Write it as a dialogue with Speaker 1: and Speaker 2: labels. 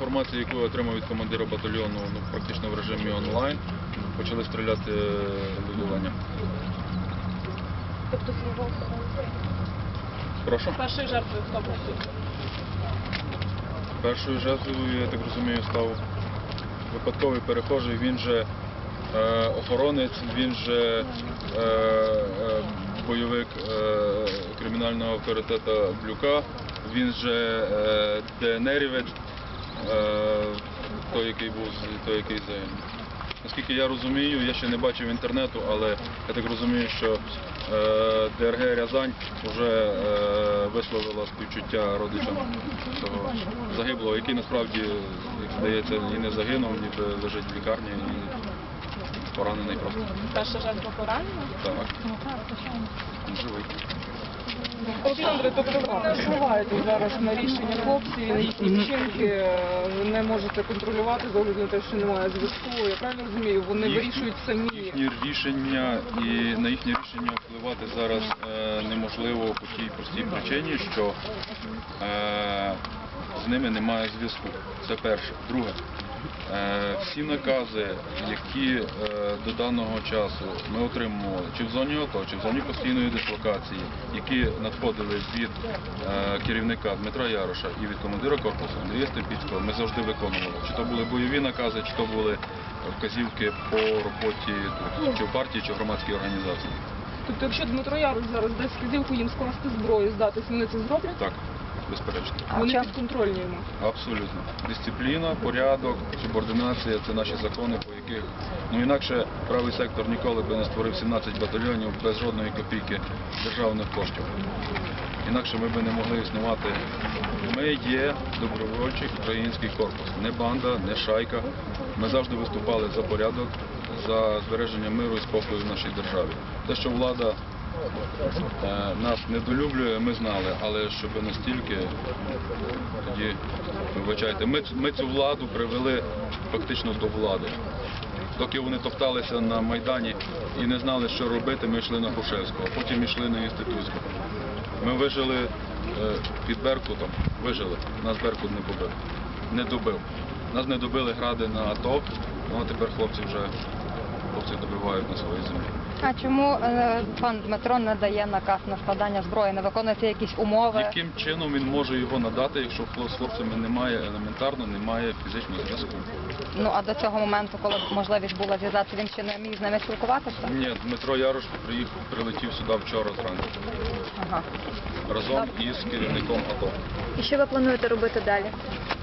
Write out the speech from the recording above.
Speaker 1: інформації, яку я отримав від командира батальйону, практично в режимі онлайн, почали стріляти виділення.
Speaker 2: Тобто
Speaker 1: Прошу?
Speaker 2: першою жертвою хто був тут?
Speaker 1: Першою жертвою, я так розумію, став випадковий перехожий, він же охоронець, він же бойовик кримінального авторитета Блюка, він же ДНРівець, той, який загинув. Наскільки я розумію, я ще не бачив інтернету, але я так розумію, що ДРГ Рязань вже висловила співчуття родичам цього загиблого, який насправді, як здається, і не загинув, ніби лежить в лікарні і поранений просто.
Speaker 2: Перша жертва поранена?
Speaker 1: Так, він живий.
Speaker 2: Олександре, тобто ви не впливаєте зараз на рішення хлопців, на їхні вчинки, ви не можете контролювати з огляду на те, що немає зв'язку. Я правильно розумію, вони вирішують самі.
Speaker 1: Їхні рішення і на їхні рішення впливати зараз неможливо по тій простій причині, що з ними немає зв'язку. Це перше. Друге. Всі накази, які до даного часу ми отримували, чи в зоні АТО, чи в зоні постійної дислокації, які надходили від керівника Дмитра Яроша і від командира корпусу Андрія Степіцького, ми завжди виконували. Чи то були бойові накази, чи то були вказівки по роботі тут, чи в партії, чи в громадській організації.
Speaker 2: Тобто, якщо Дмитро Ярош зараз дасть вказівку їм скласти зброю, здатись, вони це зроблять?
Speaker 1: Так, безперечно.
Speaker 2: Вони підконтрольні йому?
Speaker 1: Абсолютно. Дисципліна, порядок, субординація – це наші закони, по яких, інакше правий сектор ніколи би не створив 17 батальйонів без жодної копійки державних коштів. Інакше ми би не могли існувати. Ми є добровольчий український корпус. Не банда, не шайка. Ми завжди виступали за порядок, за збереження миру і спокою в нашій державі. Те, що влада нас недолюблює, ми знали, але щоб настільки, тоді, вибачайте, ми цю владу привели фактично до влади. Доки вони топталися на Майдані і не знали, що робити, ми йшли на Грушевську, а потім йшли на Інститутську. Ми вижили під Беркутом, вижили, нас Беркут не побив, не добив. Нас не добили гради на АТО, а тепер хлопці добивають на своїй землі.
Speaker 3: А чому пан Дмитро не дає наказ на складання зброї, не виконується якісь умови?
Speaker 1: Яким чином він може його надати, якщо з хлопцями немає елементарно, немає фізичного зв'язку?
Speaker 3: Ну, а до цього моменту, коли можливість була зв'язатися, він ще не міг з ними спілкуватися?
Speaker 1: Ні, Дмитро Ярош прилетів сюди вчора зранку.
Speaker 3: Ага.
Speaker 1: Разом із керівником АТО.
Speaker 4: І що ви плануєте робити далі?